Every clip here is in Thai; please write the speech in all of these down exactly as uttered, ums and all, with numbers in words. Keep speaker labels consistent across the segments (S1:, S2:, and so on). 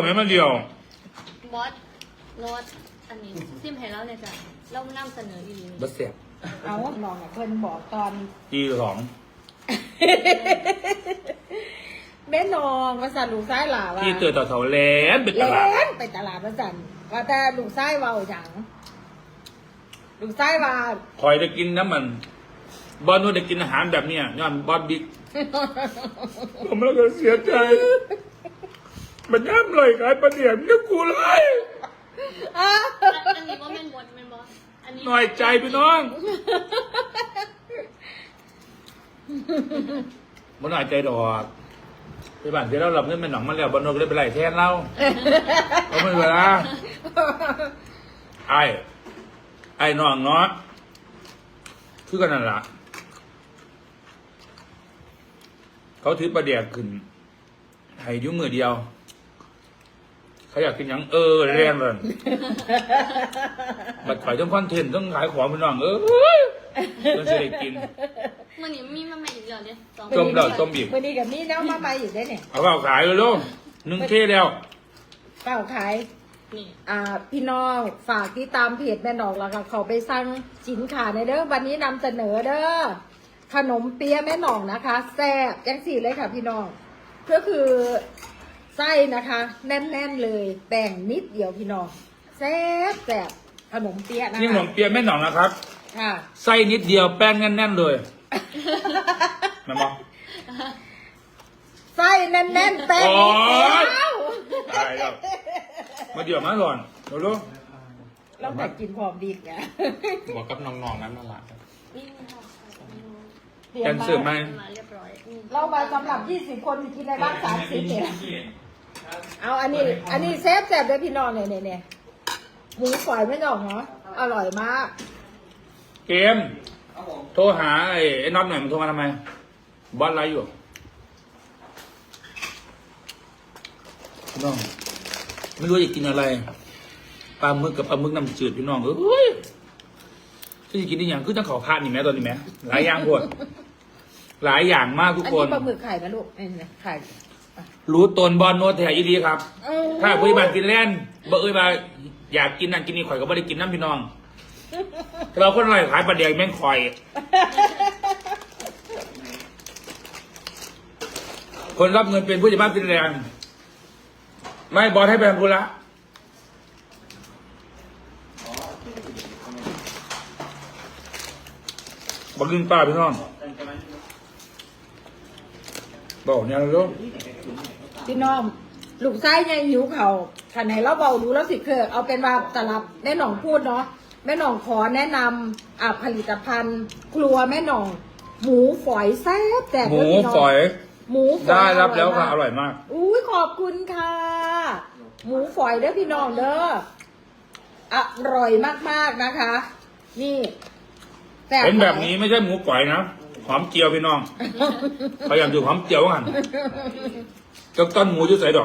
S1: ไหมมาเดียว
S2: บอสโน้ตอันนี้ซิมให้แล้วเนี่ยจ้ะเรานำเสนออีก
S1: บัสเสียบ
S3: เอาลองเพิ่นบอกตอน
S1: จีสอง
S3: แม่นองภาษาลูกซ้ายหล่าว่า
S1: ที่เตือนต่อเสาแหลมเป็นต
S3: แล่
S1: ลาด
S3: นไปตลาดภาษาว่าแต่ลูกซ้ายเว้าหยังลูกซ้ายว่า
S1: คอยจะกินน้ำมัน บอลนู้นจะกินอาหารแบบเนี้ยย้อนบอลบิ๊กผมแล้วก็เสียใจมันย่ำเลยขายประเดี๋ยวนึกกูเลย
S3: อ้า
S2: อันนี้ว่าแม่นบอสแม่นบอสอันนี้
S1: หน่อยใจพี่น้องมันหน่อยใจดอกไปบ้านเสร็จแล้วเราเงินเป็นหนองมาแล้วบอลนู้นก็เลยไปไล่แทนเราเขาไม่เวลาไอ้ไอ้น้องเนาะคือกันนั่นล่ะเขาถือประเดี๋ยวขึ้นให้ยุ่งมือเดียวเขาอยากกินหยังเออเรียนเลยบัดขายต้องคอนเทนต์ต้องขายของพี่น้องเออต้องจะได้กิน
S2: มันนี่มีมาใหม่อีกแล้วเนี่ยสอง
S1: ต้มเหล้าต้มบีบ
S3: วันนี้กับนี่แล้วมาใหม่อยู่ได้เนี่ย
S1: เอาเปล่าขายเลยลูกหนึ่งเท่แล้ว
S3: เปล่าขาย
S2: นี่
S3: อ่าพี่น้องฝากที่ตามเพจแม่นองแล้วก็เขาไปสั่งสินค้าในเด้อวันนี้นำเสนอเด้อขนมเปี๊ยะแม่นองนะคะแซ่บจังสี่เลยค่ะพี่น้องก็คือไส้นะคะ แน่นๆเลยแบ่งนิดเดียวพี่น้องแซ่บแซ่บขนมเปี๊ยะนะคะ
S1: นี่ขนมเปี๊ยะแม่หนองนะครับ
S3: ค่ะ
S1: ไส้นิดเดียวแป้งแน่นๆเลยแม่บอก
S3: ไส้แน่นๆแป้งนิดเดียว
S1: ตายแล้วมาเดี๋ยวมาก่อนเดี๋ยวลูก
S3: เราแต่กินพร้อมดีกไง
S4: บอกกับน้องๆนั้นมาละ
S2: นี่ค่ะ
S3: เตรีย
S1: แก
S3: ม
S1: น
S3: มา
S1: เสิร์ฟไหม
S2: มาเรียบร้อยนี่
S3: เรามาสำหรับยี่สิบคนกินในบ้านสามสิบเนี่ยเอาอันนี้ อันนี้เซฟแซ่บเลยพี่น้องเนี่ยเนี่ยเนี่ยหมูฝอยไม่ดอกเนาะอร่อยมาก
S1: เกมโทรหาไอ้ไอ้น็อตหน่อยมันโทรมาทำไมบอสไลฟ์อยู่พี่น้องไม่รู้จะกินอะไรปลาหมึกกับปลาหมึกน้ำจืดพี่น้องเอ้ยที่จะกินได้อย่างคือต้องขอพาดนี่แม่ตอนนี้แม่หลายอย่างพวดหลายอย่างมากทุก
S3: อัน
S1: ค
S3: นี้
S1: น
S3: ปลาหมึกไข่นะลูกนี่นะไข่
S1: รู้ตนบอลโนตแถยีดีครับ
S3: เออ
S1: ถ้าผู้บานกินแล่นบ่เอ้ยมาอยากกินนั่นกินนี่ข่อยก็ไม่ได้กินน้ำพี่น้องเราคนอร่อยขายปลาเดียวแม่งข่อย คนรับเงินเป็นผู้จัดบ้านกินแรงไม่บอลให้ไปทำธุระบอกกินปลาพี่น้องบอกเนี่ยลูก
S3: พี่น้องลูกไส้ยังหิวเข่าขันไหนเราเบาดูแล้วสิเคอเอาเป็นว่าสลับแม่หน่องพูดเนาะแม่หน่องขอแนะนำอ่าผลิตภัณฑ์ ครัวแม่หน่อง หมูฝอยแซ่บแต่
S1: หมูฝอย
S3: หมูฝอย
S1: ได้รับแล้วค่ะ
S3: มาก
S1: อร่อยมาก
S3: อุ้ยขอบคุณค่ะ หมูฝอยเด้อพี่น้องเด้ออร่อยมากๆนะคะ นี่ซ่
S1: เห็นแบบนี้ไม่ใช่หมูก๋อยนะหอมเจียวพี่น้องพยายามดูหอมเจียวกันก็ต้นหมูจะใส่ดอก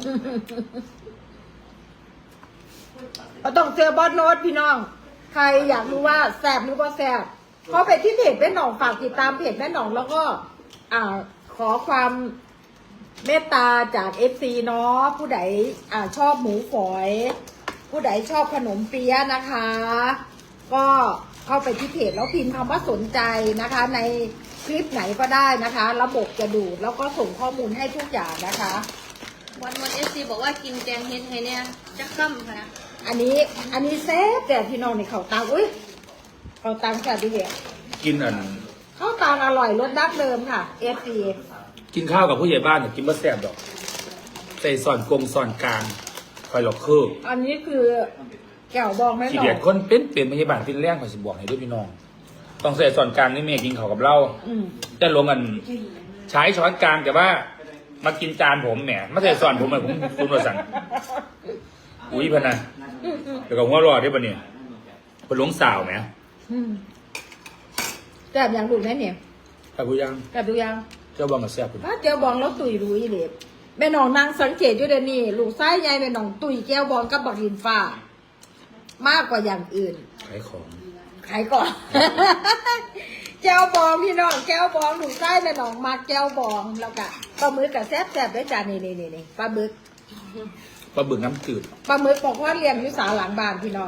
S3: เราต้องเจอบอสโน้ตพี่น้อง ใครอยากรู้ว่าแซ่บหรือว่าแซ่บเข้าไปที่เพจแม่หน่องฝากติดตามเพจแม่หน่องแล้วก็ อ่า ขอความเมตตาจากเอฟซีเนาะผู้ใดอ่าชอบหมูฝอย ผู้ใดชอบขนมเปี๊ยะนะคะ ก็เข้าไปที่เพจแล้วพิมพ์คำว่าสนใจนะคะ ในคลิปไหนก็ได้นะคะ ระบบจะดูดแล้วก็ส่งข้อมูลให้ทุกอย่างนะคะ
S2: วันวันเอฟซีบอกว่ากินแกงเฮ็ดให้เนี่ยจักซ้ำค่ะ
S3: อันนี้อันนี้เซฟแต่พี่น้องในเขาตังอุ้ยเขาตังแซ่บดีเดียว
S1: กินอัน
S3: ข้าวตังอร่อยรสดั้งเดิมค่ะเอฟซี
S1: กินข้าวกับผู้ใหญ่บ้านเนี่ยกินมะแซ่บดอกใส่ส่อนกงส่อนกลางคอยหลอกคือ
S3: อันนี้คือแก้วบองแม่ห
S1: ขี้
S3: น่อ
S1: เดียด
S3: ง
S1: คนเป็นเป็นผู้ใหญ่บ้านเป็นแรงขอยสิบอกให้ด้วยพี่น้อง ต้องใส่ส่อนกลางนี่เมย์กินเขาวกับเรา
S3: อืม
S1: จะลงกันใช้ช้อนกลางแต่ว่า มากินจานผมแหมไม่ใส่ส่อนผมเลยผมคุณวสั่งอุ้ยพะนะเดี๋ยวก็หัวเรอดได้ปะเนี่ยเป็นหลงสาวไหม
S3: อืมแซ่บอย่างดูแม่เนี่ย
S1: แต่ผู้ยัง
S3: แซ่บดูยัง
S1: เจ้าบองกับแซ่บคุณ
S3: ถ้าแก้วบองแล้วตุยรู้อีเหล็บแม่น้องนางสังเกตอยู่เดี๋ยวนี้ลูกไส้ใหญ่แม่น้องตุยแก้วบองกับบักลินฟ้า มากกว่าอย่างอื่น
S1: ขายของ
S3: ขายก่อน แก้วบองพี่น้องแก้วบองลูกไส้แม่น้องมาแก้วบองแล้วก็ปลาหมึกกับแซ่บแซ่บด้วยจานนี่นี่นี่นี่ปลาหมึก
S1: ปลาบึกน้ำจืด
S3: ปลาหมึกบอกว่าเลี้ยงอยู่ศาลหลังบ้านพี่น้อง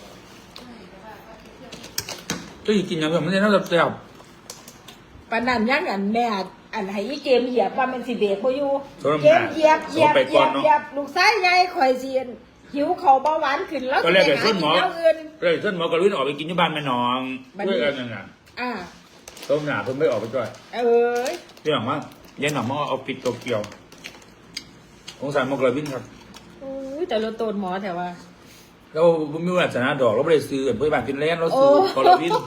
S1: เจ้าหญิงกินยังไงไม่ได้น่าจะแซ่บ
S3: ปานนั้นยังอันแม่อันให้อีเกมเหยียบว่ามันสิเบรกบ่อยู่
S1: สำหรับ
S3: เกมเหยียบเหยียบ
S1: ไป
S3: เห
S1: ก่
S3: ยี
S1: อย น
S3: บ
S1: เนาะ
S3: เหยียบลูกชายใหญ่ข่อยเสียนหิวเขาเบาหวานขึ้นแล้ว
S1: ก็เรียกไอ้ส้นหมอ
S3: สิไปากินอย่างอื่น
S1: เลยส้นหมอกระลุนออกไปกินที่บ้านแม่น้อง
S3: บัดนี้
S1: ด้วยกันนั่นน่ะ
S3: อ่า
S1: ต้มหนาเพิ่งไม่ออกไปด้วย
S3: เอ้ย
S1: พี่หลังว่าเย็นหน่อมอเอาปิดโตเกียวสงสารหมอกระลุนครับ
S3: อุ้ยแต่เราโตนหมอแต่ว่า
S1: แล้วผมมีวันชนะดอกเราไม่ได้ซื้อเพื่อนบ้านฟินแลนด์เรา
S3: โอ้
S1: ซื้อคอลลาวิน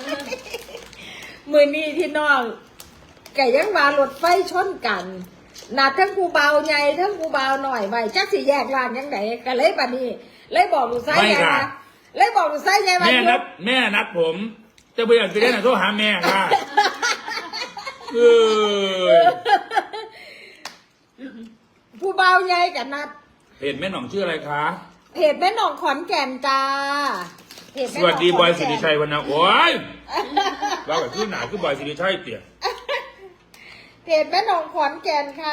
S3: มือนี้พี่น้องไก่ยังมารถไฟชนกันนัดทั้งกูเบาใหญ่ทั้งกูเบาหน่อยไว้จักสิแยกร้านยังไงก็เลยบัดนี้ เลยบอกลูกชายใหญ่มาเลยบอกลูกชายใหญ่มา
S1: แม่นัดแม่นัดผมจะไปอยากฟินแลนด์โทรหาแม่ค่ะเออ
S3: ผู้เบาใหญ่กับนัด
S1: เพจแม่หน่องชื่ออะไรคะ
S3: เพจแม่หนองขอนแก่นจ้าเพจ
S1: ส
S3: แม่หนง
S1: วัสดีบอย
S3: ขน
S1: สิ
S3: แก่น
S1: ริชัยวันนะโอ้ยเราแบบชื่อหนาคือบอยสิริชัยเตี่ย
S3: เพจแม่หนองขอนแก่นค่ะ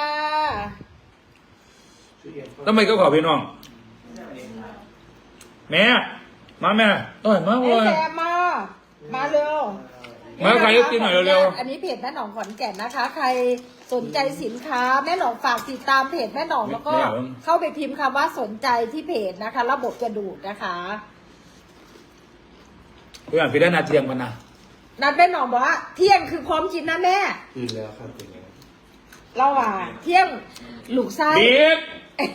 S1: ทำไมก็ขอพี่น้อง แม่ มาแม่ต้อยมา
S3: ไอ้
S1: เลย
S3: แซมมา มาเร็ว
S1: มาใครก็กินหน่อยเร็ว
S3: อันนี้เพจแม่หนองขอนแก่นนะคะ ใครสนใจสินค้าแม่หนองฝากติดตามเพจแม่หนองแล้วก็เข้าไปพิมพ์คำว่าสนใจที่เพจนะคะ ระบบจะดูดนะคะ
S1: ๆพี่อ่านพี่ได้นาเทียงมันนะ
S3: นัดแม่หนองบอกว่าเที่ยงคือพร้อมกินนะแม่
S4: คืนแล้วครับเป็นไง
S3: เราอ่ะเที่ยงลูกไส้
S1: บิ๊ก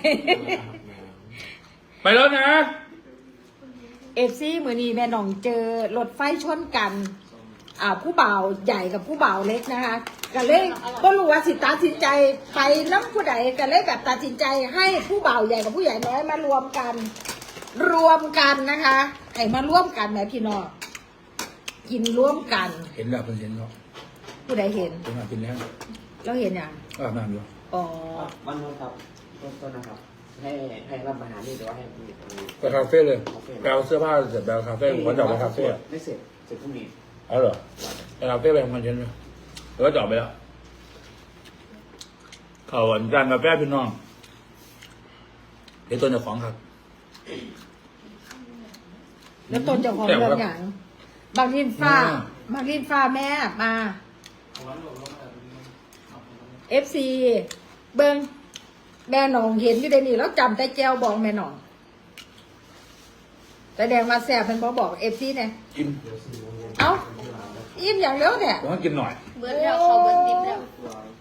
S1: ไปแล้วนะ
S3: เอฟซีมือนี้แม่หนองเจอรถไฟชนกัน อ่าผู้บ่าวใหญ่กับผู้บ่าวเล็กนะคะก็เลยก็รู้ว่าสิตัดสินใจไปน้ำผู้ใดก็เลยแบบตัดสินใจให้ผู้บ่าวใหญ่กับผู้ใหญ่น้อยมารวมกัน รวมกันนะคะให้มาร่วมกันแหมพี่น้องกินร่วมกัน
S1: เห็นแล้วเพิ่งเห็นแล้ว
S3: ผู้ใดเห็น
S1: เป็นมาฟินแลนด์
S3: เราเห็นอย่าง
S1: ก็อาบน้ำอยู่
S3: อ๋อ
S5: วันนู้นครับต้นต้นนะครับ ให้ให้รับอาหารนี่หรือว่าให้มีตรงนี้
S1: ไปคาเฟ่เลยไปเอาเสื้อผ้าเสร็จไปเอาคาเฟ่ผมก็จะออกไปคาเฟ่
S5: ไม่เสร็จเสร็จพรุ่งนี้
S1: เอาเหรอไปคาเฟ่ไปทำคอนเทนต์เลยแล้วก็จะออกไปแล้วเขาอันจานกาแฟพี่น้องเดี๋ยวตัวเจ้าของครับ
S3: แล้วตนเจ้าของเรื่องอย่างบางลินฟ้า
S1: อืม
S3: บางลินฟ้าแม่มาเอฟซีเบิงแม่หนองเห็นอยู่ในนี่แล้วจำแต่แก้วบอกแม่หนองแต่แดงมาแซ่บเป็นบอบอกเอฟซีเนี่ย
S1: กิน
S3: เอ้าอิ่มอย่างเร็วเนี่ย
S1: ต้องกินหน่อย
S2: เบิร์ดแล้วเขาเบิร์ดดิบแล้ว
S5: ต